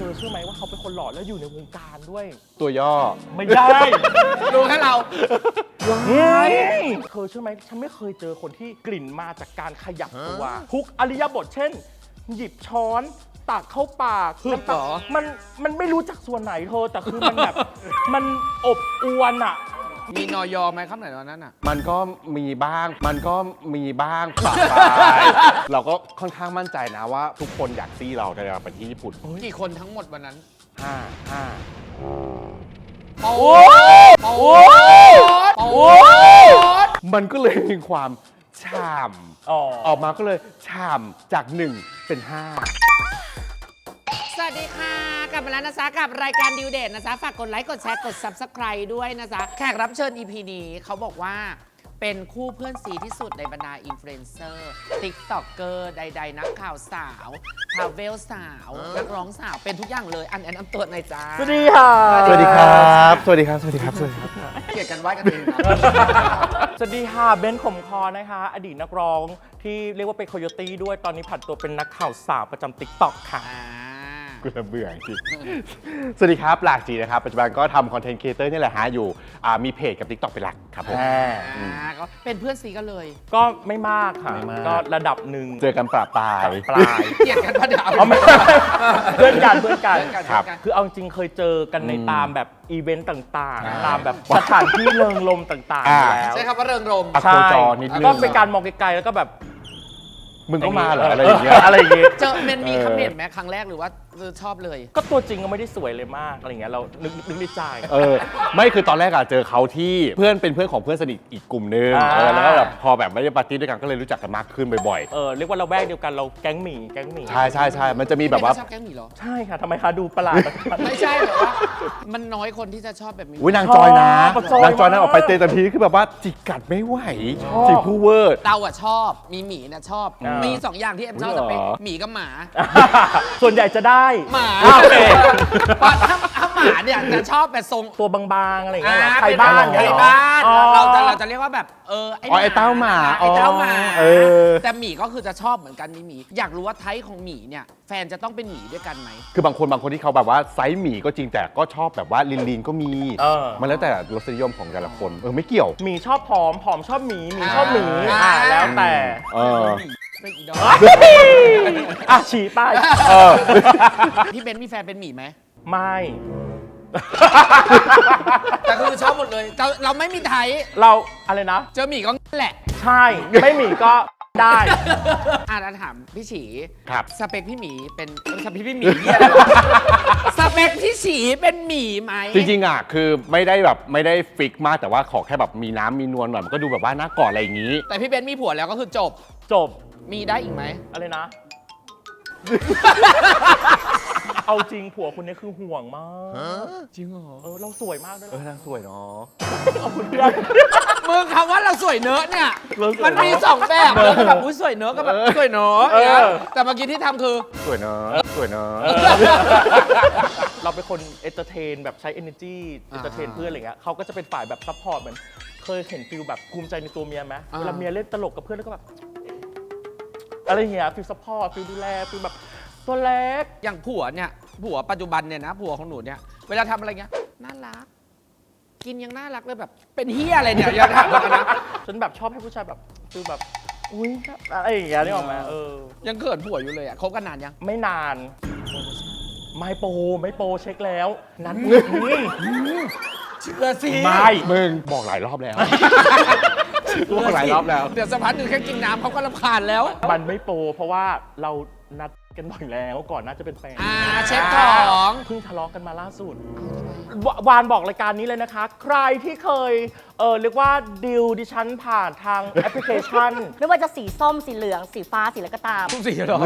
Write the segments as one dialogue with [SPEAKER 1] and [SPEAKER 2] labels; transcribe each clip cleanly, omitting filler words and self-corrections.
[SPEAKER 1] อเชื่อไหมว่าเขาเป็นคนหล่อแล้วอยู่ในวงการด้วย
[SPEAKER 2] ตัวย่อ
[SPEAKER 1] ไม่ได้
[SPEAKER 3] รู้แค่เรา
[SPEAKER 1] เธอเชื่อไหมฉันไม่เคยเจอคนที่กลิ่นมาจากการขยับตัวทุกอริยบทเช่นหยิบช้อนตักเข้าปากมันไม่รู้จักส่วนไหนเธอแต่คือมันแบบมันอบอวนอ่ะ
[SPEAKER 3] มีนอยอไหมครับไหนตอนนั้นอ่ะ
[SPEAKER 2] มันก็มีบ้างปะปายเราก็ค่อนข้างมั่นใจนะว่าทุกคนอยากซี่เราในการไปที่ญี่ปุ่น
[SPEAKER 3] กี่คนทั้งหมดวันนั้น
[SPEAKER 2] โอ้มันก็เลยมีความฉ่ำออกมาก็เลยฉ่ำจาก1เป็น5
[SPEAKER 3] สวัสดีค่ะกลับมาแล้วนะจ๊ะกับรายการดิวเดทนะจ๊ะฝากกดไลค์กดแชร์กด Subscribe ด้วยนะจ๊ะแขกรับเชิญ EP นี้เขาบอกว่าเป็นคู่เพื่อนซีที่สุดในบรรดาอินฟลูเอนเซอร์ติ๊กต็อกเกอร์ใดๆนักข่าวสาวทราเวลสาวนักร้องสาวเป็นทุกอย่างเลยอันแนะนำตัวหน่อยจ้า
[SPEAKER 1] สวัสดีค่ะ
[SPEAKER 2] สวัสดีครับสวัสดีครับสวัสดีครับ
[SPEAKER 3] เกลียดกันไว้กันเอง
[SPEAKER 1] สวัสดีค่ะเบนขมคอนะคะอดีตนักร้องที่เรียกว่าเป็นโคโยตี้ด้วยตอนนี้ผันตัวเป็นนักข่าวสาวประจำติ๊กต็อกค่ะ
[SPEAKER 2] กูจะเบื่อจริงสวัสดีครับหลากจีนะครับปัจจุบันก็ทำคอนเทนต์ครีเอเตอร์นี่แหละฮะอยู่มีเพจกับ TikTok เป็นหลักครับผม
[SPEAKER 3] ก็เป็นเพื่อนซีกันเลย
[SPEAKER 1] ก็ไม่มากค่ะก็ระดับหนึ่ง
[SPEAKER 2] เจอกันปลาย
[SPEAKER 3] เกลียดกันปะเดี๋ยว
[SPEAKER 1] เพื่อนกันครับคือเอาจริงเคยเจอกันในตามแบบอีเวนต์ต่างๆตามแบบสถานที่เริงรมต่างๆแล้ว
[SPEAKER 3] ใช่ครับว่าเริงรม
[SPEAKER 1] ใช่ก็เป็นการมองไกลๆแล้วก็แบบ
[SPEAKER 2] มึงก็มาเหรออะไรอย่างเงี้ย
[SPEAKER 3] เจอเป็นมีคำเห็นไหมครั้งแรกหรือว่าชอบเลย
[SPEAKER 1] ก็ตัวจริงก็ไม่ได้สวยเลยมากอะไรเงี้ยเรานึกในใจ
[SPEAKER 2] ไม่คือตอนแรกอะเจอเขาที่เพื่อนเป็นเพื่อนของเพื่อนสนิทอีกกลุ่มนึงแล้วก็แบบพอแบบไม่ได้ปาร์ตี้ด้วยกันก็เลยรู้จักกันมากขึ้นบ่อย
[SPEAKER 1] ๆเรียกว่าเราแวกเดียวกันเราแก๊งหมี่
[SPEAKER 2] ใช่มันจะมีแบบว่า
[SPEAKER 3] ชอบแก๊งหมี่เหรอ
[SPEAKER 1] ใช่ค่ะทำไมคะดูประหลาด
[SPEAKER 3] ไม่ใช่หรอว่ามันน้อยคนที่จะชอบแบบนี้
[SPEAKER 2] นางจอยนะนางจอยนะออกไปเตะทันทีคือแบบว่าจิกกัดไม่ไหวจิกผู้เวอร์
[SPEAKER 3] เราอะชอบมีหมีนะชอบมี2อย่างที่ชอบจะเป็นหมีกับหมา
[SPEAKER 1] ส่วนใหญ่จะได้
[SPEAKER 3] หมาถ้าหมาเนี่ยจะชอบแบบทรง
[SPEAKER 1] ตัวบางๆอะไรอย่างเงี้ยไทยบ้าน
[SPEAKER 3] เราจะเรียกว่าแบบ
[SPEAKER 2] ไอ้เต้าหมา
[SPEAKER 3] แต่หมีก็คือจะชอบเหมือนกันมีหมีอยากรู้ว่าไทป์ของหมีเนี่ยแฟนจะต้องเป็นหมีด้วยกันไหม
[SPEAKER 2] คือบางคนที่เขาแบบว่าไซส์หมีก็จริงแต่ก็ชอบแบบว่าลีนก็มีมันแล้วแต่รสนิยมของแต่ละคนไม่เกี่ยว
[SPEAKER 1] หมีชอบผอมชอบหมีชอบหมีแล้วแต่ฉี่ป้าย
[SPEAKER 3] พี่เบนมีแฟนเป็นหมีไหม
[SPEAKER 1] ไม่
[SPEAKER 3] แต่คือชอบหมดเลยเราไม่มีไทย
[SPEAKER 1] เราอะไรนะ
[SPEAKER 3] เจอหมีก็แหละ
[SPEAKER 1] ใช่ไม่หมีก็ได้
[SPEAKER 3] เราถามพี่ฉี
[SPEAKER 2] ครับ
[SPEAKER 3] สเปคพี่หมีเป็นสเปคพี่หมีสเปคพี่ฉีเป็นหมีไหม
[SPEAKER 2] จริงๆอ่ะคือไม่ได้ฟิกมากแต่ว่าขอแค่แบบมีน้ำมีนวลหน่อยมันก็ดูแบบว่าน่ากอดอะไรอย่างนี้
[SPEAKER 3] แต่พี่เบนมีผัวแล้วก็คือจบมีได้อีกไหม
[SPEAKER 1] อะไรนะเอาจริงผัวคนนี้คือห่วงมาก
[SPEAKER 3] จริงเหรอ
[SPEAKER 1] เราสวยมากด้วย
[SPEAKER 2] นางสวยเนาะ
[SPEAKER 1] ขอบคุณเพื่อน
[SPEAKER 3] มึงคำว่าเราสวยเนอะเนี่ยมันมี2แบบแบบอุ้ยสวยเนอะกับแบบสวยเนอะแต่เมื่อกี้ที่ทำคือ
[SPEAKER 2] สวยเนอะ
[SPEAKER 1] เราเป็นคนเอนเตอร์เทนแบบใช้ energy เอนเตอร์เทนเพื่อนอะไรเงี้ยเขาก็จะเป็นฝ่ายแบบซัพพอร์ตเหมือนเคยเห็นฟิลแบบภูมิใจในตัวเมียไหมเวลาเมียเล่นตลกกับเพื่อนแล้วก็แบบอะไรเงี้ยฟิลซัพพอร์ตฟิลดูแลฟิลแบบตัวเล็ก
[SPEAKER 3] อย่างผัวปัจจุบันเนี่ยนะผัวของหนูเนี่ยเวลาทำอะไรเงี้ยน่ารักกินยังน่ารักเลยแบบเป็นเฮียอะไรเนี่ยอย่าถามนะ
[SPEAKER 1] ฉันแบบชอบให้ผู้ชายแบบฟิลแบบอุ้ยอะไรอย่างเงี้ยนี่ออกมา
[SPEAKER 3] ยังเกิดผัวอยู่เลยอ่ะคบกันนานยัง
[SPEAKER 1] ไม่นานไม่โปรเช็คแล้วนั้น
[SPEAKER 3] เชื่อสิ
[SPEAKER 2] ไม่มึงบอกหลายรอบแล้ว
[SPEAKER 3] เดี๋ยวสักพักหนึ่งแค่กินน้ำเขาก็รำคาญแล้ว
[SPEAKER 1] มันไม่โปรเพราะว่าเรานัดกันบ่อยแล้วก่อนน่าจะเป็นแฟน
[SPEAKER 3] เช็คของ
[SPEAKER 1] เพิ่งทะเลาะกันมาล่าสุดวานบอกรายการนี้เลยนะคะใครที่เคยเรียกว่าดิวดิฉันผ่านทางแอปพลิเคชัน
[SPEAKER 4] ไม่ว่าจะสีส้มสีเหลืองสีฟ้าสีอะไรก็ตาม
[SPEAKER 3] ทุกสีหรอ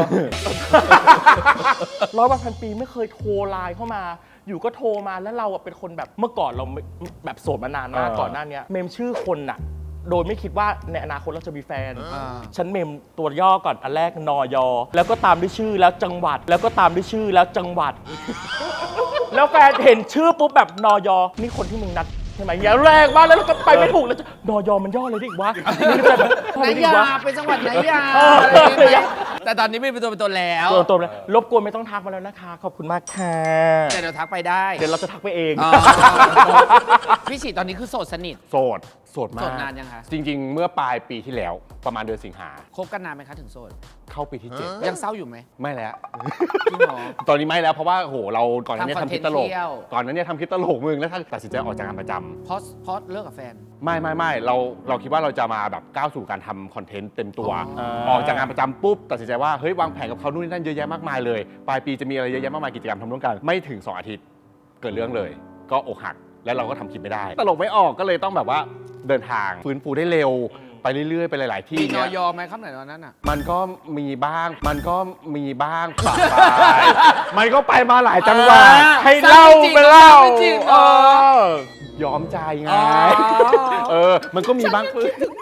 [SPEAKER 1] 100 วันปีไม่เคยโทรไลน์เข้ามาอยู่ก็โทรมาแล้วเราเป็นคนแบบเมื่อก่อนเราแบบโสดมานานมากก่อนหน้านี้เมมชื่อคนน่ะโดยไม่คิดว่าในอนาคตเราจะมีแฟนฉันเมมตัวย่อก่อนอันแรกนยแล้วก็ตามด้วยชื่อแล้วจังหวัดแล้วก็ตามด้วยชื่อแล้วจังหวัดแล้วแฟนเห็นชื่อปุ๊บแบบนยนี่คนที่มึงนัดใช่ไหมอย่าแรงมากแล้วก็ไปไม่ถูกแล้วนยมันย่อเลยดิวะ
[SPEAKER 3] ไหนยาเป็นจังหวัดไหนยาแต่ตอนนี้ไม่เป็นตัวเป็นตนแล้ว
[SPEAKER 1] ตัวแล้วรบกวนไม่ต้องทักมาแล้วนะคะ ขอบคุณมากค่ะ
[SPEAKER 3] เดี๋ยวทักไปได้
[SPEAKER 1] เดี๋ยวเราจะทักไปเอง
[SPEAKER 3] อ๋อพี่ฉีดตอนนี้คือโสดสนิท
[SPEAKER 2] โสดมาก
[SPEAKER 3] โสดนานยังคะ
[SPEAKER 2] จริง ๆ เมื่อปลายปีที่แล้วประมาณเดือนสิงหา
[SPEAKER 3] คบกันนานไหมคะถึงโสด
[SPEAKER 2] เข้าปีที่
[SPEAKER 3] ยังเศร้าอยู่ไหม
[SPEAKER 2] 7 ไม่แล้ว
[SPEAKER 3] จริงเหรอ
[SPEAKER 2] ตอนนี้ไม่แล้วเพราะว่าโหเราก่อนหน้านี้
[SPEAKER 3] ทำคอน
[SPEAKER 2] ทำ
[SPEAKER 3] เท
[SPEAKER 2] คน ลิ
[SPEAKER 3] ต์
[SPEAKER 2] ปตลก
[SPEAKER 3] เที่ยว
[SPEAKER 2] ก่อนหนั้นเนี่ยทำคลิปตลกมึงแล้วตัดสินใจออกจากงานประจำ
[SPEAKER 3] เพราะเลิกกับแฟน
[SPEAKER 2] ไม่เราคิดว่าเราจะมาแบบก้าวสู่การทำคอนเทนต์เต็มตัว
[SPEAKER 3] อ๋อ
[SPEAKER 2] ออกจากงานประจำปุ๊บตัดสินใจว่าเฮ้ยวางแผนกับเขานู่นนี่นั่นเยอะแยะมากมายเลยปลายปีจะมีอะไรเยอะแยะมากมายกิจกรรมทำร่วมกันไม่ถึง 2 อาทิตย์เกิดเรื่องเลย ก็อกหักแล้วเราก็ทำคลิปไม่ได้ ตลกไม่ออกก็เลยต้องแบบว่าเดินทางฟื้นฟูได้เร็วไปเรื่อยๆไปหลาย ๆ ที่
[SPEAKER 3] มีน
[SPEAKER 2] เนี่
[SPEAKER 3] อย ยไหมครับไหนตอนนั้นอ่ะ
[SPEAKER 2] มันก็มีบ้างปะปายมันก็ไปมาหลายจังหวัด
[SPEAKER 3] อ่า
[SPEAKER 2] ให้เล่าไปเล่า
[SPEAKER 3] จริงเหรอ
[SPEAKER 2] ยอมใจไง
[SPEAKER 3] อ๋อ
[SPEAKER 2] มันก็มีบ้างคือ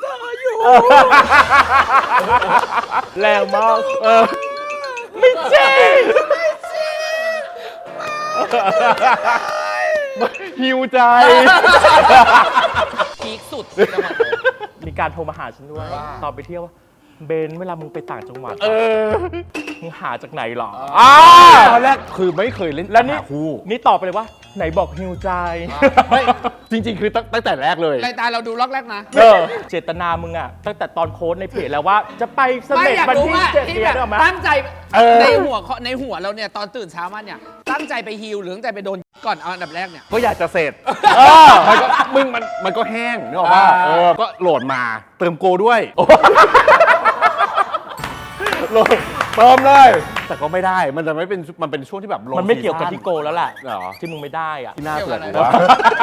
[SPEAKER 1] แรงมาก
[SPEAKER 2] ไม่จริงหิวใจ
[SPEAKER 3] พีคสุด
[SPEAKER 1] มีการโทรมาหาฉันด้วย ตอนไปเที่ยวว่าเบนเวลามึงไปต่างจังหวัดมึงหาจากไหนหรอ
[SPEAKER 2] ตอนแรกคือไม่เคยเล่น
[SPEAKER 1] แล้วนี่
[SPEAKER 2] หาคู่
[SPEAKER 1] นี่ตอบไปเลยว่า ไหนบอกฮิวใจ
[SPEAKER 2] ไม่จริง ๆ คือตั้งแต่แรกเลย
[SPEAKER 3] รายการเราดูล็อกแรกนะ
[SPEAKER 1] เจตนามึงอะตั้งแต่ตอนโค้ดในเพจแล้วว่าจะไปเส
[SPEAKER 3] ไม่
[SPEAKER 1] ม็ด
[SPEAKER 3] อยาก
[SPEAKER 1] วัน
[SPEAKER 3] รู้
[SPEAKER 1] ที่
[SPEAKER 3] ว่า
[SPEAKER 1] 7
[SPEAKER 3] ที่
[SPEAKER 1] เดือ
[SPEAKER 3] แบ
[SPEAKER 1] น
[SPEAKER 3] บ
[SPEAKER 1] หรอไหม
[SPEAKER 3] ตั้งใจ
[SPEAKER 2] เออ
[SPEAKER 3] ในหัวเราเนี่ยตอนตื่นเช้ามาเนี่ยตั้งใจไปฮิลหรือตั้งใจไปโดนก่อนเอาอันดับแรกเนี่ย
[SPEAKER 2] ก็อยากจะเสร็จมันก็แห้งนึกออกป่ะก็โหลดมาเติมโกด้วยโหลดเติมเลย แต่ก็ไม่ได้มันจะไม่เป็นมันเป็นช่วงที่แบบ low
[SPEAKER 1] มันไม่เกี่ยวกับ
[SPEAKER 2] season
[SPEAKER 1] ที่โกแล้วแหละ
[SPEAKER 2] เหรอ
[SPEAKER 1] ที่มึงไม่ได้อะ
[SPEAKER 2] ที่หน้าเปลือก
[SPEAKER 3] เกี่ยวกับอะไร
[SPEAKER 2] ว่า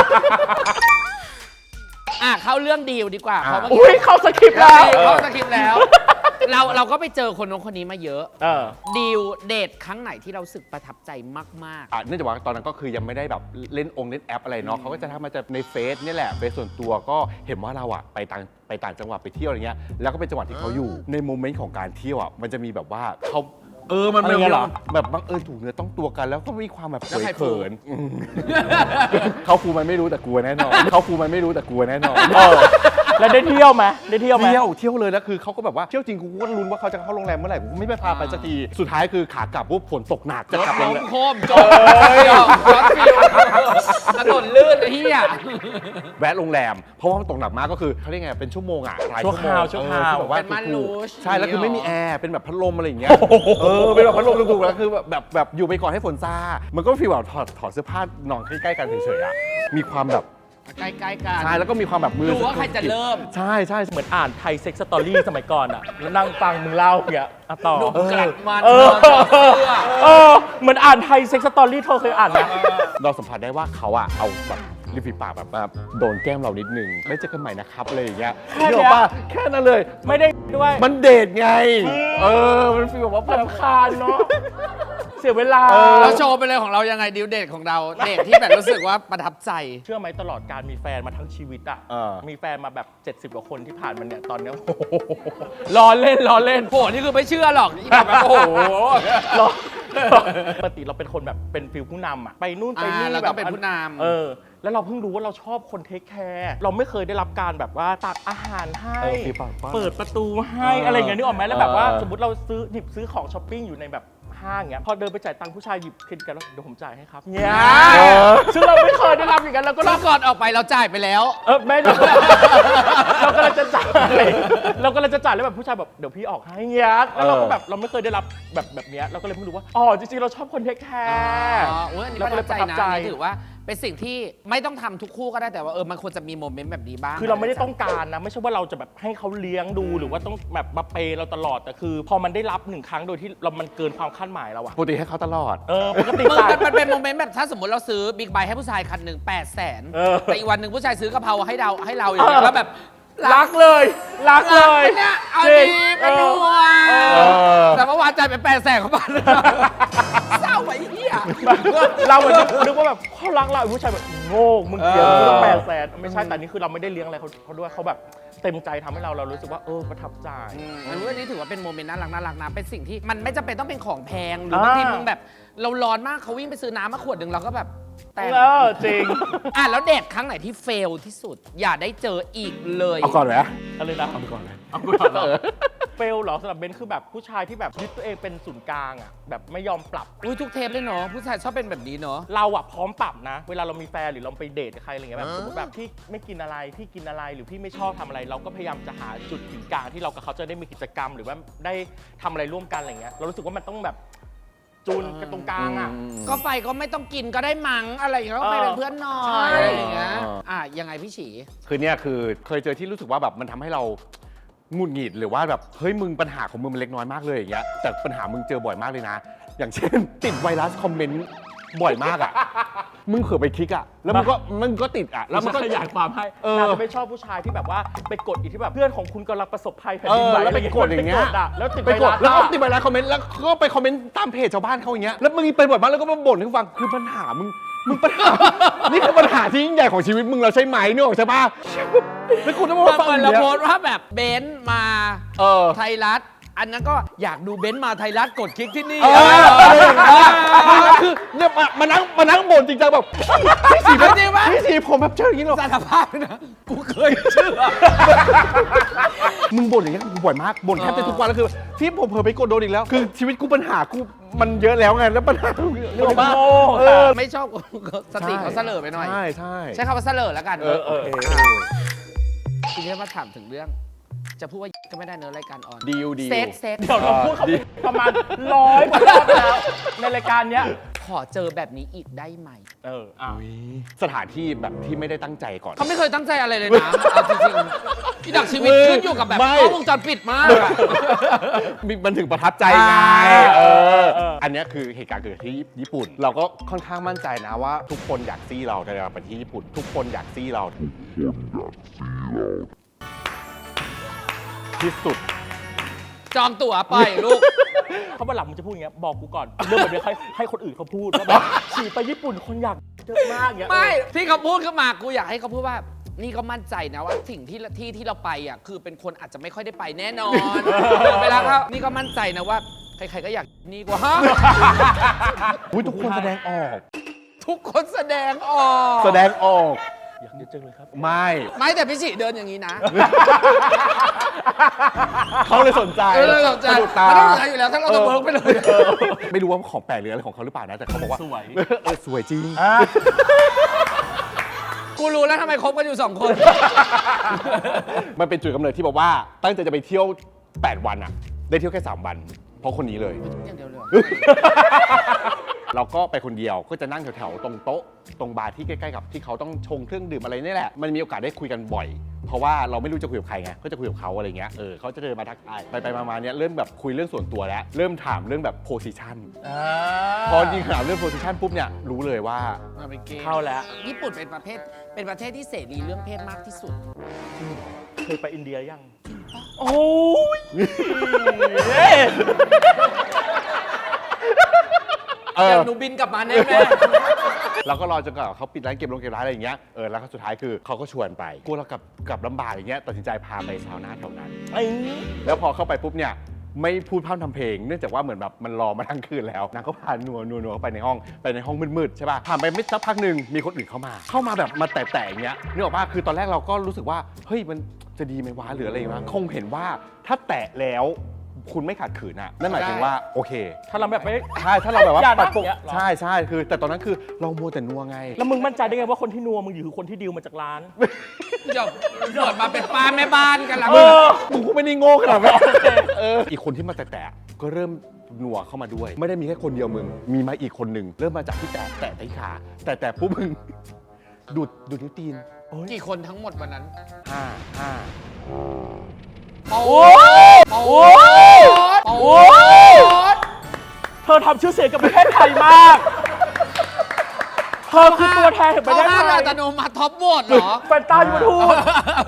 [SPEAKER 3] เข้าเรื่องดีลดีกว่า
[SPEAKER 2] อ่ะ
[SPEAKER 3] เพราะเมื่อ
[SPEAKER 1] อุ้ย
[SPEAKER 3] กี้
[SPEAKER 1] เข้าสคริปต์แล้ว
[SPEAKER 3] เข้าสคริปต์แล้ว เราก็ไปเจอคนนู้นคนนี้มาเยอะ ดีลเดทครั้งไหนที่เรารู้สึกประทับใจมาก
[SPEAKER 2] เนื่องจากว่าตอนนั้นก็คือยังไม่ได้แบบเล่นแอปอะไรเนาะเขาก็จะทำมาจากในเฟซนี่แหละเฟซส่วนตัวก็เห็นว่าเราอะไปต่างจังหวัดไปเที่ยวอะไรเงี้ยแล้วก็เป็นจังหวัดที่เขาอยู่ในโมเมนต์ของการเที่ยวอะมันจะมีแบบว่าเขามัน
[SPEAKER 1] อะไรเงี้ยเหรอ
[SPEAKER 2] แบบบังเอิญถูกเนื้อต้องตัวกัน แล้วก็มีความแบบ
[SPEAKER 3] แล้วใครฟู
[SPEAKER 2] เขินๆเขาฟูมันไม่รู้แต่กลัวแน่นอนเขาฟูมันไม่รู้แต่กลัวแน่นอน
[SPEAKER 1] แล้วได้เที่ยวไหมได้เที่ยวไหม
[SPEAKER 2] เที่ยวเลยแล้วคือเขาก็แบบว่าเที่ยวจริงกูก็ลุ้นว่าเขาจะเข้าโรงแรมเมื่อไหร่กูก็ไม่ไปพาไปสักทีสุดท้ายคือขากลับปุ๊บฝนตกหนักจะ
[SPEAKER 3] ๆ
[SPEAKER 2] กลับโร
[SPEAKER 3] ล้
[SPEAKER 2] ง
[SPEAKER 3] ม
[SPEAKER 2] แรม
[SPEAKER 3] โคมจบจอดฟิวถนนลื่นไอ้เหี้ย
[SPEAKER 2] แวะโรงแรมเพราะว่ามันตกหนักมากก็คือเขาเรียกไงเป็นชั่วโมงอ่ะหลาย
[SPEAKER 1] ชั่วคราว
[SPEAKER 2] ชั่วโมง
[SPEAKER 1] ชั่วคราว
[SPEAKER 2] คือแบบว่า
[SPEAKER 3] เป็นม่าน
[SPEAKER 2] ถูก
[SPEAKER 3] รูช
[SPEAKER 2] ๆใช่แล้วคือไม่มีแอร์เป็นแบบพัดลมอะไรอย่างเงี้ยเป็นแบบพัดลมถูกๆแล้วคือแบบอยู่ไปก่อนให้ฝนซามันก็ฟีลแบบถอดเสื้อผ้านอนใกล้ๆกันเฉยๆอ่ะมีความแบบ
[SPEAKER 3] ใกล้ๆกัน
[SPEAKER 2] ใช่แล้วก็มีความแบบมือ
[SPEAKER 3] ดูว่าใครจะเริ่ม
[SPEAKER 2] ใช่ใช่
[SPEAKER 1] เหมือนอ่านไทยเซ็กซ์สตอรี่สมัยก่อนอะแล้วนั่งฟังมึงเล่าอย่างเงี้ยอะต่อ
[SPEAKER 3] ดูกลัดมัน
[SPEAKER 1] เออ
[SPEAKER 3] ถอดเสื้อ
[SPEAKER 1] เหมือนอ่านไทยเซ็กซ์สตอรี่เธอเคยอ่านไหม
[SPEAKER 2] เราสัมผัสได้ว่าเขาอะเอาแบบริมฝีปากแบบมาโดนแก้มเรานิดนึงไม่เจอกันใหม่นะครับอะไรอย่างเงี้ย
[SPEAKER 1] แค่เนี้ย
[SPEAKER 2] เดี๋ยวป่ะแค่นั้นเลย
[SPEAKER 1] ไม่ได้ด้วย
[SPEAKER 2] มันเดทไง มันฟีลแบบว่า
[SPEAKER 1] รำคาญเนาะเสียเวลา
[SPEAKER 3] เราโชว์ไปเลยของเรายังไงดิวเดทของเราเดทที่แบบรู้สึกว่าประทับใจ
[SPEAKER 1] เชื่อไหมตลอดการมีแฟนมาทั้งชีวิตอะมีแฟนมาแบบ 70 กว่าคนที่ผ่านมาเนี่ยตอนเนี้ย โอ้โหล้อเล่น
[SPEAKER 3] โห นี่คือไม่เชื่อหรอกอีแบบโอ้โห
[SPEAKER 1] ล้อปกติเราเป็นคนแบบเป็นฟิลผู้นำอะไปนู่นไปนี่
[SPEAKER 3] เรา
[SPEAKER 1] แบ
[SPEAKER 3] ต้อบ งเป็นผู้นำ
[SPEAKER 1] แล้วเราเพิ่งรู้ว่าเราชอบคนเทคแคร์เราไม่เคยได้รับการแบบว่าตักอาหารให้
[SPEAKER 2] ฟีลปากว่า
[SPEAKER 1] เปิดประตูให้อะไรอย่างเงี้ยนึกออกไหมแล้วแบบว่าสมมติเราหยิบซื้อของช้อปปิ้งอยู่ในแบบห้างเงี้ยพอเดินไปจ่ายตังค์ผู้ชายหยิบเครดิตการ์ดแล้วเดี๋ยวผมจ่ายให้ครับเนี่ยซึ่งเราไม่เคยได้รับอย่างนั้นเราก็
[SPEAKER 3] รอบก่อนออกไปเราจ่ายไปแล้ว
[SPEAKER 1] ไม่ได้เรากำลังจะจ่ายแล้วแบบผู้ชายแบบเดี๋ยวพี่ออกให้เงี้ยแล้วเราก็แบบเราไม่เคยได้รับแบบเนี้ยเราก็เลยเพิ่งรู้ว่าอ๋อจริงๆเราชอบคนเทคแคร์
[SPEAKER 3] อันนี้
[SPEAKER 1] เรา
[SPEAKER 3] ป
[SPEAKER 1] ก็
[SPEAKER 3] ระ
[SPEAKER 1] เล
[SPEAKER 3] ทั
[SPEAKER 1] ย
[SPEAKER 3] บ
[SPEAKER 1] ประ
[SPEAKER 3] ใจ
[SPEAKER 1] ทับ
[SPEAKER 3] นะ
[SPEAKER 1] ใจ
[SPEAKER 3] นี่ถือว่าเป็นสิ่งที่ไม่ต้องทำทุกคู่ก็ได้แต่ว่ามันควรจะมีโมเมนต์แบบนี้บ้าง
[SPEAKER 1] คือเราไม่ได้ต้องการนะ ไม่ใช่ว่าเราจะแบบให้เขาเลี้ยงดูหรือว่าต้องแบบมาเปย์เราตลอดแต่คือ พอมันได้รับ1 ครั้งโดยที่มันเกินความคาดหมายเราอะ
[SPEAKER 2] ปกติให้เขาตลอด
[SPEAKER 1] ปกติ
[SPEAKER 3] มึง
[SPEAKER 1] จ่าย
[SPEAKER 3] มันเป็นโมเมนต์แบบถ้าสมมติเราซื้อบิ๊กไบค์ให้ผู้ชายคันหนึ่ง800,000แต่อีกวันหนึ่งผู้ชายซื้อกะเพราให้เราอย่างเงี้ยแล้วแบบ
[SPEAKER 1] รักเลย
[SPEAKER 3] เนี่ยเอา
[SPEAKER 1] จริ
[SPEAKER 3] ดี
[SPEAKER 1] ง
[SPEAKER 3] เป็นนัว
[SPEAKER 2] อ
[SPEAKER 3] แต่เมื่อวานจ่ายไป800,000เข้ามาเศร้าไอ้เหี้ย
[SPEAKER 1] เราเหมือนนึกว่าแบบเขารักเราไอ้ผู้ชายแบบโง่มึงเกลียดกูตั้ง800,000ไม่ใช่แต่นี่คือเราไม่ได้เลี้ยงอะไรเขาด้วยเขาแบบเต็มใจทำให้เรารู้สึกว่าประทับใจ
[SPEAKER 3] อันนี้ถือว่าเป็นโมเมนต์น่ารักนะเป็นสิ่งที่มันไม่จำเป็นต้องเป็นของแพงหรือบางทีมึงแบบเราร้อนมากเขาวิ่งไปซื้อน้ำมาขวดหนึ่งเราก็แบบแต่
[SPEAKER 1] จริง
[SPEAKER 3] แล้วเดทครั้งไหนที่เฟลที่สุด อย่าได้เจออีกเลย
[SPEAKER 2] เอาก่อนไหม
[SPEAKER 1] อะไรนะ
[SPEAKER 2] เอาไปก่อนเลย
[SPEAKER 1] เอาก่อนเหรอเฟลเหรอสำหรับเบนคือแบบผู้ชายที่แบบยึดตัวเองเป็นศูนย์กลางอ่ะแบบไม่ยอมปรับ
[SPEAKER 3] อุ้ยทุกเทปเลยเนาะผู้ชายชอบเป็นแบบนี้เนาะ
[SPEAKER 1] เราอะพร้อมปรับนะ เวลาเรามีแฟนหรือเราไปเดทกับใครอะไรเงี้ยแบบสมมติแบบพี่ไม่กินอะไรพี่กินอะไรหรือพี่ไม่ชอบทำอะไร เราก็พยายามจะหาจุดถึงกลางที่เรากับเขาจะได้มีกิจกรรม หรือว่าได้ทำอะไรร่วมกันอะไรเงี้ยเรารู้สึกว่ามันต้องแบบจูนกันตรงกลางอะ
[SPEAKER 3] ก็ไปก็ไม่ต้องกินก็ได้มั้งอะไรอย่างเงี้ยก็ไปเป็นเพื่อนหน่อ
[SPEAKER 1] ใช่
[SPEAKER 3] ยอะไรอย่างเงี้ยยังไงพี่ฉี
[SPEAKER 2] คือเนี่ยคือเคยเจอที่รู้สึกว่าแบบมันทำให้เราหงุดหงิดหรือว่าแบบเฮ้ยมึงปัญหาของมึงมันเล็กน้อยมากเลยอย่างเงี้ยแต่ปัญหามึงเจอบ่อยมากเลยนะ อย่างเช่น ติดไวรัสคอมเมนต์บ่อยมากอ่ะ มึงเขือไปคลิกอ่ะแล้วมันก็ติดอ่ะ
[SPEAKER 1] แล้
[SPEAKER 2] แล้ว ว
[SPEAKER 1] มั
[SPEAKER 2] มัน น
[SPEAKER 1] ก็
[SPEAKER 2] ก็
[SPEAKER 1] ขยายความให้
[SPEAKER 2] เออ
[SPEAKER 1] เราจะไม่ชอบผู้ชายที่แบบว่าไปกดอีกที่แบบเพื่อนของคุณกำลังประสบภัยแผ่นดินไหว
[SPEAKER 2] แล้วไปกดอย่างเงี้ย
[SPEAKER 1] ไปกดอะแล้วติด
[SPEAKER 2] ไปกด
[SPEAKER 1] ไวรัส
[SPEAKER 2] แล้วก็
[SPEAKER 1] อะ
[SPEAKER 2] ติดไวรัสคอมเมนต์แล้วก็ไปคอมเมนต์ตามเพจชาวบ้านเขาอย่างเงี้ยแล้วมึงไปบ่อยมากแล้วก็มาบ่นให้ฟังคือปัญหามึงปัญหา นี่คือปัญหาที่ยิ่งใหญ่ของชีวิตมึงเราใช่ไหมนึกออกใช่ปะแล้วคุณต้องมาฟัง
[SPEAKER 3] เหมื
[SPEAKER 2] อ
[SPEAKER 3] อน
[SPEAKER 2] ย่าง
[SPEAKER 3] เรา
[SPEAKER 2] เงี้
[SPEAKER 3] โพ
[SPEAKER 2] ย
[SPEAKER 3] สต์ว่าแบบเบนซ์มา
[SPEAKER 2] เออ
[SPEAKER 3] ไทยรัฐอันนั้นก็อยากดูเบนซ์มาไทยรัฐกดคลิกที่นี่
[SPEAKER 2] อะไรอย่างเงี้ยคือเนี่ยมานั่งบ่นจริงจังแบบพี่สี
[SPEAKER 3] จริงปะ
[SPEAKER 2] พี่สีผมแบบเจออย่างนี้หรอ
[SPEAKER 3] สารภาพนะกูเคยเชื่อ
[SPEAKER 2] มึงบ่นอย่างเงี้ยกูบ่อยมากบ่นแทบจะทุกวันแล้วคือที่ผมเผลอไปกดโดนอีกแล้ว คือชีวิตกูปัญหากูมันเยอะแล้วไงแล้วปัญหาเรื่องบ้า
[SPEAKER 3] ไม่ชอบสติเขาเสลอไปหน่อย
[SPEAKER 2] ใช่ใช่
[SPEAKER 3] ใช้คำว่าเสลอแล้วกัน
[SPEAKER 2] เออ
[SPEAKER 3] ทีนี้มาถามถึงเรื่อง จะพูดว่าก็ไม่ได้เนื้อะรายการออน
[SPEAKER 2] ดีล
[SPEAKER 3] เซ็ก
[SPEAKER 1] เดี๋ยวเราพูดเขาประมาณ100กว่ารอบแล้วในรายการเนี้ย
[SPEAKER 3] ขอเจอแบบนี้อีกได้ไหม
[SPEAKER 2] สถานที่แบบที่ไม่ได้ตั้งใจก่อน
[SPEAKER 3] เขาไม่เคยตั้งใจอะไรเลยนะเอาจริงๆที่ดักชีวิตขึ้นอยู่กับแบบ
[SPEAKER 2] ไม่
[SPEAKER 3] กล้องวงจรปิดมากอะ
[SPEAKER 2] มันถึงประทับใจไง
[SPEAKER 3] เอ
[SPEAKER 2] อันเนี้ยคือเหตุการณ์เกิดที่ญี่ปุ่น เราก็ค่อนข้างมั่นใจนะว่าทุกคนอยากซี่เราในการไปที่ญี่ปุ่น ทุกคนอยากซี่เราที่สุด
[SPEAKER 3] จองตั๋วไปลูก
[SPEAKER 1] เขาวันหลังมึงจะพูดอย่างเงี้ยบอกกูก่อนเรื่องแบบนี้ให้คนอื่นเขาพูดว่าแบบฉี่ไปญี่ปุ่นคนอยากเยอะมากเงี้ย
[SPEAKER 3] ไม่ที่เขาพูดขึ้นมากูอยากให้เขาพูดว่า นี่ก็มั่นใจนะว่าสิ่งที่เราไปอ่ะคือเป็นคนอาจจะไม่ค่อยได้ไปแน่นอนเวลาเขานี่ก็มั่นใจนะว่าใครๆก็อยากนี่กว่าฮะ
[SPEAKER 2] อุ๊ยทุกคนแสดงออก
[SPEAKER 3] ทุกคนแสดงออก
[SPEAKER 2] แสดงออก
[SPEAKER 1] อยากเยอะจังเลยครับ
[SPEAKER 2] ไม่
[SPEAKER 3] ไม่แต่พี่ฉีเดินอย่างนี้นะ
[SPEAKER 2] เขาเลยสนใจ
[SPEAKER 3] สนใจ
[SPEAKER 2] สะดุดตา
[SPEAKER 3] มันต้องสนใจอยู่แล้วถ้าเราจะเบิร์กไปเลย
[SPEAKER 2] ไม่รู้ว่าของแปลกหรืออะไรของเขาหรือเปล่านะ แต่เขาบอกว่า
[SPEAKER 1] สวย
[SPEAKER 2] สวยจริง
[SPEAKER 3] กูรู้แล้วทำไมคบกันอยู่2 คน
[SPEAKER 2] มันเป็นจุดกำเนิดที่บอกว่าตั้งใจจะไปเที่ยว 8 วันอะได้เที่ยวแค่ 3 วัน เพราะคนนี้เลย
[SPEAKER 3] อย่างเดียวเลย
[SPEAKER 2] เราก็ไปคนเดียวก็จะนั่งแถวๆตรงโต๊ะตรงบาร์ที่ใกล้ๆกับที่เขาต้องชงเครื่องดื่มอะไรนี่แหละมันมีโอกาสได้คุยกันบ่อย เพราะว่าเราไม่รู้จะคุยกับใครไงก็จะคุยกับเขาอะไรเงี้ยเขาจะเดินมาทักทายไปมาเนี้ยเริ่มแบบคุยเรื่องส่วนตัวแล้วเริ่มถามเรื่องแบบโพสิชันพอจริงถามเรื่องโพสิชันปุ๊บเนี่ยรู้เลยว่า
[SPEAKER 1] เข้าแล้ว
[SPEAKER 3] ญี่ปุ่นเป็นประเทศที่เสรีเรื่องเพศมากที่สุด
[SPEAKER 1] เคยไปอินเดียยัง โอ้ย
[SPEAKER 3] เดี๋ยวหนูบินกลับมาแน่แม่
[SPEAKER 2] เราก็รอจนกว่าเขาปิดร้านเกมร้านอะไรอย่างเงี้ยแล้วก็สุดท้ายคือเขาก็ชวนไปกลัวเรากลับลำบากอย่างเงี้ยตัดสินใจพาไปซาวน่าแถวนั้น แล้วพอเข้าไปปุ๊บเนี่ยไม่พูดพร่ำทำเพลงเนื่องจากว่าเหมือนแบบมันรอมาทั้งคืนแล้วนางก็พานัวเข้าไปในห้องมืดๆใช่ป่ะผ่านไปไม่สักพักหนึ่งมีคนอื่นเข้ามาแบบมาแตะๆอย่างเงี้ยนึกออกป่ะคือตอนแรกเราก็รู้สึกว่าเฮ้ยมันจะดีไหมวะหรืออะไรวะคงเห็นว่าถ้าแตะแล้วคุณไม่ขัดขืนอ่ะนั่นหมายถึงว่าโอเค
[SPEAKER 1] ถ้าเราแบบไม่
[SPEAKER 2] ใช่ถ้าเราแบบว่า
[SPEAKER 1] อย่านะ
[SPEAKER 2] ปัดปก
[SPEAKER 1] อย่างเงี้ยเหรอ
[SPEAKER 2] ใช่คือแต่ตอนนั้นคือเรามัวแต่นัวไง
[SPEAKER 1] แล้วมึงมั่นใจได้ไงว่าคนที่นัวมึงอยู่คือคนที่ดีลมาจากร้าน
[SPEAKER 3] เดี๋ยวเกิดมาเป็นป้าแม่บ้านกันแล้ว
[SPEAKER 2] มึงก็ไม่ได้โง่ขนาดนั้นอีกคนที่มาแตะๆก็เริ่มนัวเข้ามาด้วย ไม่ได้มีแค่คนเดียวมึง มีมาอีกคนหนึ่งเริ่มมาจากที่แตะที่ขาแต่ปุ๊บมึงดูดนิ้วตีน
[SPEAKER 3] กี่คนทั้งหมดวันนั้น
[SPEAKER 2] 5
[SPEAKER 3] โอ้
[SPEAKER 1] โอ้โหเธอทำชื่อเสียงกับประเทศไทยมาก เธอคือตัวแทนแห่งประเทศไท
[SPEAKER 3] เขาห้าม
[SPEAKER 1] ย
[SPEAKER 3] อัตโนมัติท็อปโหวตเหรอ
[SPEAKER 1] แฟนตายูทูบ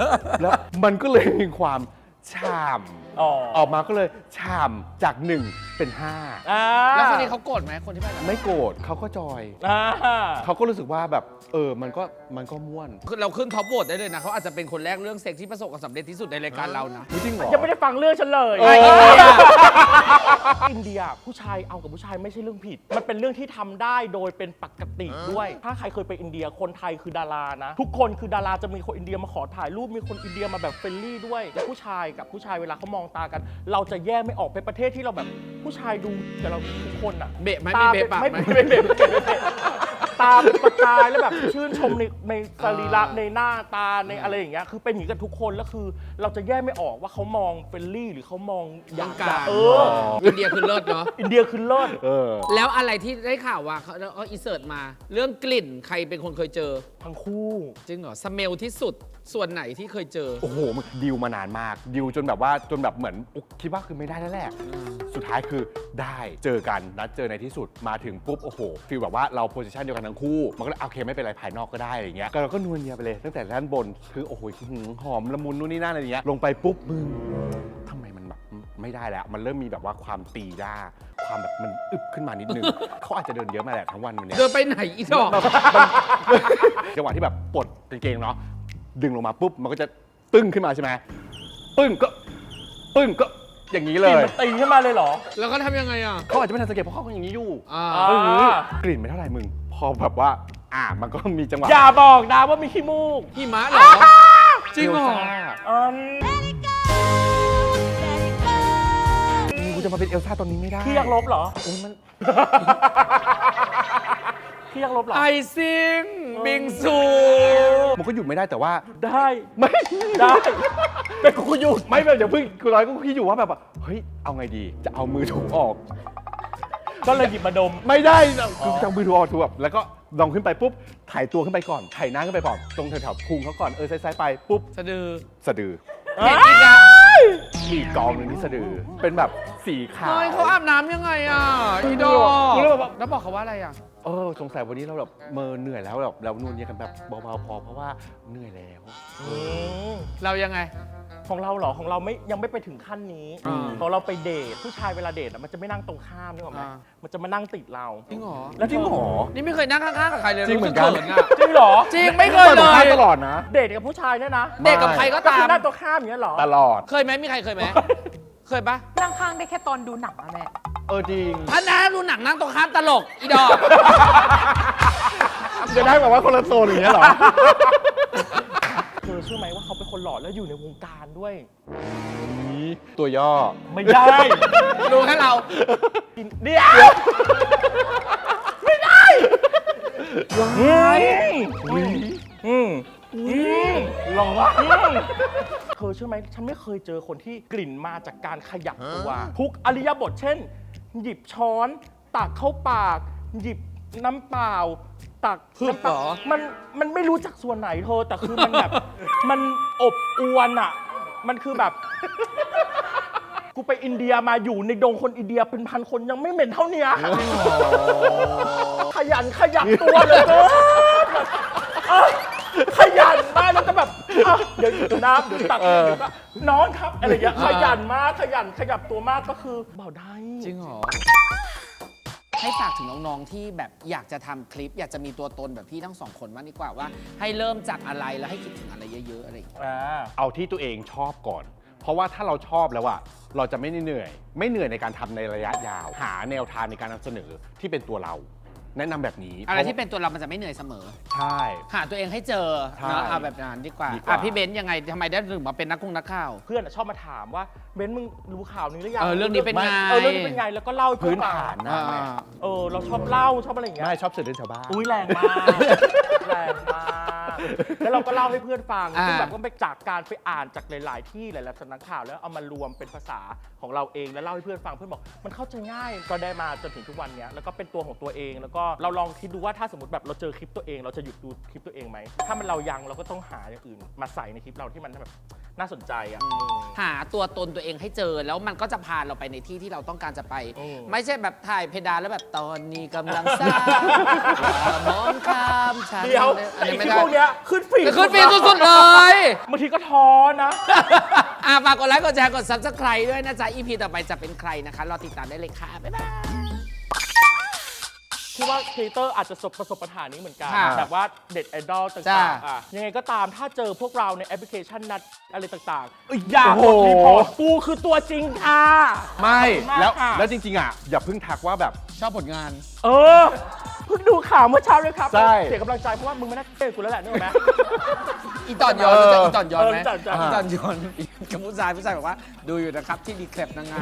[SPEAKER 2] แล้วมันก็เลยมีความฉ่
[SPEAKER 1] อ๋อ
[SPEAKER 2] ำออกมาก็เลยฉ่ำจาก1 เป็น
[SPEAKER 3] แล้วคนนี้เขาโกรธไหมคนที่ไปกับ
[SPEAKER 2] 5 ไม่โกรธเขาก็จอย
[SPEAKER 1] อ่า
[SPEAKER 2] เขาก็รู้สึกว่าแบบมันก็ม่วน
[SPEAKER 3] เราขึ้นท็อปโหวตได้เลยนะเขาอาจจะเป็นคนแรกเรื่องเซ็กที่ประสบความสำเร็จที่สุดในรายการเรานะ
[SPEAKER 2] จริงเหรอ
[SPEAKER 1] ยังไม่ได้ฟังเรื่องฉันเลย
[SPEAKER 2] เออ
[SPEAKER 1] อินเดียผู้ชายเอากับผู้ชายไม่ใช่เรื่องผิด มันเป็นเรื่องที่ทำได้โดยเป็นปกติด้วย ถ้าใครเคยไปอินเดียคนไทยคือดารานะ ทุกคนคือดาราจะมีคนอินเดียมาขอถ่ายรูปมีคนอินเดียมาแบบเฟรนลี่ด้วยแล้วผู้ชายกับผู้ชายเวลาเขามองตากัน เราจะแยกไม่ออกเป็นประเทศที่เราแบบผู้ชายดูแต่เราทุกคนอะ
[SPEAKER 3] เบะไหม
[SPEAKER 1] ตา
[SPEAKER 3] มีเบะปาก
[SPEAKER 1] ไม่
[SPEAKER 3] ไหม
[SPEAKER 1] ไม่เบะตาเป็นประกายแล้วแบบชื่นชมในสรีระในหน้าตาในอะไรอย่างเงี้ยคือเป็นอย่างนี้กันทุกคนแล้วคือเราจะแยกไม่ออกว่าเขามองเฟรนลี่หรือเขามองอ
[SPEAKER 3] ต้
[SPEAKER 1] ยา
[SPEAKER 3] อก งการ
[SPEAKER 1] อิ
[SPEAKER 3] อินเดียคือเลิศเนาะ
[SPEAKER 1] อินเดียคือเลิศ
[SPEAKER 3] แล้วอะไรที่ได้ข่าวว่าเขาอินเสิร์ตมา เรื่องกลิ่นใครเป็นคนเคยเจอ
[SPEAKER 1] ทั้งคู่
[SPEAKER 3] จริงเหรอสเมลที่สุดส่วนไหนที่เคยเจอ
[SPEAKER 2] โอ้โหมันดิวมานานมากดิวจนแบบเหมือนคิดว่าคือไม่ได้แล้วแหละสุดท้ายคือได้เจอกันนัดเจอในที่สุดมาถึงปุ๊บโอ้โหฟีลแบบว่าเราโพสิชันเดียวกันทั้งคู่มันก็เลยโอเคไม่เป็นไรภายนอกก็ได้อะไรเงี้ยก็เราก็นวลเนียไปเลยตั้งแต่ด้านบนคือโอ้โหหอมละมุนนู่นนี่นั่นอะไรเงี้ยลงไปปุ๊บมึงทำไมมันแบบไม่ได้แล้วมันเริ่มมีแบบว่าความตีด้าความแบบมันอึบขึ้นมานิดนึง เขาอาจจะเดินเยอะมาแหละทั้งวันวันเนี้ย
[SPEAKER 3] เดินไปไหนอีดอก
[SPEAKER 2] จังหวะที่แบบปลดกางเกงเนาะดึงลงมาปุ๊บมันก็จะตึ้งขึ้นมาใช่ไหมปึ้งก็อย่างนี้เล
[SPEAKER 1] กลิ่น
[SPEAKER 2] ย
[SPEAKER 1] มันตีขึ้นมาเลยเหรอ
[SPEAKER 3] แล้วก็ทำยังไงอ่ะ
[SPEAKER 2] เขาอาจจะไม่ทันสังเกตเพราะเขาเป็นอย่างนี้อยู่
[SPEAKER 3] อ่า
[SPEAKER 1] อ่า
[SPEAKER 2] กลิ่นไม่เท่าไหร่มึง พอแบบว่ามันก็มีจังหวะ
[SPEAKER 1] อย่าบอกนะว่ามีขี้มูก
[SPEAKER 3] พี่ม้าเหรอ จริงเหรอ
[SPEAKER 2] กูจะมาเป็นเอลซ่าตอนนี้ไม่ได้
[SPEAKER 1] พี่อยากลบเหรอ
[SPEAKER 2] โอ้ยมัน
[SPEAKER 1] พี่อยากลบเหรอ
[SPEAKER 3] ไอซิงบิงซู
[SPEAKER 2] มันก็หยุดไม่ได้แต่ว่า
[SPEAKER 1] ได้
[SPEAKER 2] ไม่
[SPEAKER 1] ได้เป็นกูหยุด
[SPEAKER 2] ไม่แบบเดี๋ยวเพิ่งกูร้อยก็คิดอยู่ว่าแบบว่าเฮ้ยเอาไงดีจะเอามือถูออก
[SPEAKER 1] ก็เลยหยิบมาดม
[SPEAKER 2] ไม่ได้คือจะเอามือถูออกถูแบบแล้วก็ลองขึ้นไปปุ๊บถ่ายตัวขึ้นไปก่อนถ่ายหน้าขึ้นไปก่อนตรงแถวๆพุงเขาก่อนซ้ายๆไปปุ๊บ
[SPEAKER 3] สะดือ
[SPEAKER 2] สะดือ
[SPEAKER 3] เห็นอีกอ่ะ
[SPEAKER 2] มีกองหนึ่งที่สะดือเป็นแบบสีขาว
[SPEAKER 3] เฮ้ยเขาอาบน้ำยังไงอ่ะอีดอก แล้วบอกเขาว่าอะไรอ่ะ
[SPEAKER 2] สงสัยวันนี้เราแบบเหนื่อยแล้วแบบเรานวลเนียกันแบบเบาๆพอเพราะว่าเหนื่อยแล้ว
[SPEAKER 3] เรายังไง
[SPEAKER 1] ของเราเหรอของเรายังไม่ไปถึงขั้นนี้
[SPEAKER 3] อ่า
[SPEAKER 1] ของเราไปเดทผู้ชายเวลาเดทอะมันจะไม่นั่งตรงข้ามนึกออกไหม
[SPEAKER 3] อ่า
[SPEAKER 1] มันจะมานั่งติดเรา
[SPEAKER 3] จริงเหรอ
[SPEAKER 1] แล้วจริงเหรอ
[SPEAKER 3] นี่ไม่เคยนั่งข้างๆกับใครเลย
[SPEAKER 2] จริงเหมือนกัน
[SPEAKER 3] สึขิอ่ะ
[SPEAKER 1] จริงเหรอ
[SPEAKER 3] จริงไม่เคยเล
[SPEAKER 2] ปิด
[SPEAKER 3] ย
[SPEAKER 2] ข้างตลอดนะ
[SPEAKER 1] เดทกับผู้ชายเนี่ยนะ
[SPEAKER 3] เด็กกับใครก็
[SPEAKER 1] ก็
[SPEAKER 3] ตา
[SPEAKER 1] คือ
[SPEAKER 3] ม
[SPEAKER 1] นั่งตรงข้ามอย่างเงี้ยเหรอ
[SPEAKER 2] ตลอด
[SPEAKER 3] เคยไหมมีใครเคยไหม เคยปะ
[SPEAKER 5] นั่งข้างได้แค่ตอนดูหนังอะแม่
[SPEAKER 2] จริง
[SPEAKER 3] ถ้าน้าดูหนังนั่งตรงข้ามตลกอีดอก
[SPEAKER 2] จะได้แบบว่าคนละโซนอย่างเงี้ยเหรอ
[SPEAKER 1] เธอเชื่อไหมว่าเขาเป็นคนหล่อแล้วอยู่ในวงการด้วย
[SPEAKER 2] ตัวย่อ
[SPEAKER 1] ไม่ได้
[SPEAKER 3] รู้แค่เรา
[SPEAKER 1] เดี๋ยวไม่ได้ลองวะเธอเชื่อไหมฉันไม่เคยเจอคนที่กลิ่นมาจากการขยับตัวทุกอริยบทเช่น หยิบช้อนตักเข้าปาก หยิบน้ำเปล่า ตัก
[SPEAKER 3] ฮึบเหรอ
[SPEAKER 1] มันไม่รู้จักส่วนไหนเธอแต่คือมันแบบ มันอบอวนอ่ะ มันคือแบบ กูไปอินเดียมาอยู่ในดงคนอินเดียเป็นพันคนยังไม่เหม็นเท่าเนี้ยขยันขยับตัวเลยขยันมากแล้วจะแบบเดี๋ยวอยู่น้ำเดี๋ยวตักเดี๋ยวก็น้องครับอะไรอย่างเงี้ยขยันมากขยับตัวมากก็คือเบาได้
[SPEAKER 3] จริงเหรอ ให้ฝากถึงน้องๆที่แบบอยากจะทำคลิป อยากจะมีตัวตนแบบพี่ทั้งสองคนมากดีกว่าว่า ให้เริ่มจากอะไรแล้วให้คิดถึงอะไรเยอะๆอะไรอย่างเงี้ย
[SPEAKER 2] เอาที่ตัวเองชอบก่อน เพราะว่าถ้าเราชอบแล้วอะเราจะไม่เหนื่อยในการทำในระยะยาว หาแนวทางในการนำเสนอที่เป็นตัวเรา แนะนำแบบนี้
[SPEAKER 3] อะไรที่เป็นตัวเรามันจะไม่เหนื่อยเสมอ
[SPEAKER 2] ใช่
[SPEAKER 3] หาตัวเองให้เจอ
[SPEAKER 2] ใช่
[SPEAKER 3] เนอะเอาแบบนั้นดีกว่า
[SPEAKER 2] ดีกว่า
[SPEAKER 3] พี่เบนซ์ยังไงทำไมได้ถึงมาเป็นนักข่าว
[SPEAKER 1] เพื่อนอะชอบมาถามว่าเบนซ์มึงรู้ข่าวนี้หรือยัง
[SPEAKER 3] เรื่องนี้เป็นไง
[SPEAKER 1] เรื่องนี้เป็นไงแล้วก็เล่าให้เพื่
[SPEAKER 2] พื้
[SPEAKER 1] อน นฟัง
[SPEAKER 2] ฐาน
[SPEAKER 3] ๆ
[SPEAKER 2] นะ
[SPEAKER 1] เราชอบเล่าชอบอะไรอย่างเงี้ย
[SPEAKER 2] ไม่ชอบเสือเรื่องชาวบ้าน
[SPEAKER 1] อุ้ยแรงมากแรงมากแล้วเราก็เล่าให้เพื่อนฟัง
[SPEAKER 3] อ่า
[SPEAKER 1] ซึ่งแบบก็ไปจากการไปอ่านจากหลาย ๆ ที่หลายๆสำนักข่าวแล้วเอามารวมเป็นภาษาของเราเองแล้วเล่าให้เพื่อนฟังเพื่อนบอกมันเข้าใจง่ายก็ได้มาจนถึงทุกวันเนี้ยแล้วก็เป็นตัวของตัวเองแล้วก็เราลองคิดดูว่าถ้าสมมติแบบเราเจอคลิปตัวเองเราจะหยุดดูคลิปตัวเองไหมถ้ามันเรายังเราก็ต้องหาอย่างอื่นมาใส่ในคลิปเราที่มันแบบน่าสนใจอ่ะ
[SPEAKER 3] หาตัวตนตัวเองให้เจอแล้วมันก็จะพาเราไปในที่ที่เราต้องการจะไป
[SPEAKER 1] อืม
[SPEAKER 3] ไม่ใช่แบบถ่ายเพดานแล้วแบบตอนนี้กำลังสร้างอย่ามองข้ามฉัน
[SPEAKER 1] เดี๋ยว
[SPEAKER 3] อัน
[SPEAKER 1] ไอ้
[SPEAKER 3] นี้ไม่
[SPEAKER 1] คลิป
[SPEAKER 3] ได้
[SPEAKER 1] พวกเนี้ยขึ้นฟีด
[SPEAKER 3] ขึ้นฟีดสุดๆเลย
[SPEAKER 1] บางทีก็ท้อนะ
[SPEAKER 3] ฝากกดไลค์กดแชร์กด subscribe ด้วยนะจ๊ะ EP ต่อไปจะเป็นใครนะคะรอติดตามได้เลยค่ะ บ๊ายบาย
[SPEAKER 1] คิดว่าครีเอเตอร์อาจจะประสบปัญหานี้เหมือนกัน
[SPEAKER 3] ค่ะ
[SPEAKER 1] แบบว่าเด็ดไอดอล
[SPEAKER 3] จ้า
[SPEAKER 1] ต่างๆยังไงก็ตามถ้าเจอพวกเราในแอปพลิเคชันนัดอะไรต่างๆอย่ากดรีพอร์ตกูคือตัวจริงค่ะ
[SPEAKER 2] ไม่
[SPEAKER 1] ขอบคุณมาก
[SPEAKER 2] แล้ว
[SPEAKER 1] ค่ะ
[SPEAKER 2] แล้วจริงๆอ่ะอย่าเพิ่งทักว่าแบบ
[SPEAKER 3] ชอบผลงาน
[SPEAKER 1] เออเพิ่งดูข่าวเมื่อเช้าเลยครับ
[SPEAKER 2] ใช่
[SPEAKER 1] เสียกำลังใจเพราะว่ามึงไม่น่าเจอกูแล้วแหละนึกออกไหม
[SPEAKER 3] อีตอนย้อนรู้จักอีตอนย้อนไหม
[SPEAKER 1] รู้จัก
[SPEAKER 3] อีตอนย้อนกับผู้ชายบอกว่าดูอยู่นะครับที่ดีแคลปนางงาม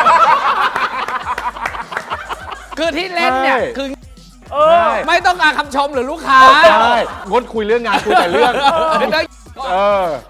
[SPEAKER 3] คือที่เล่นเนี่ยคือ
[SPEAKER 1] เออ
[SPEAKER 3] ไม่ต้องการคำชมหรือลูกค้า
[SPEAKER 2] ใช่งดคุยเรื่องงานคุยแต่เรื่อง
[SPEAKER 3] ไม่ต้อง
[SPEAKER 2] เออ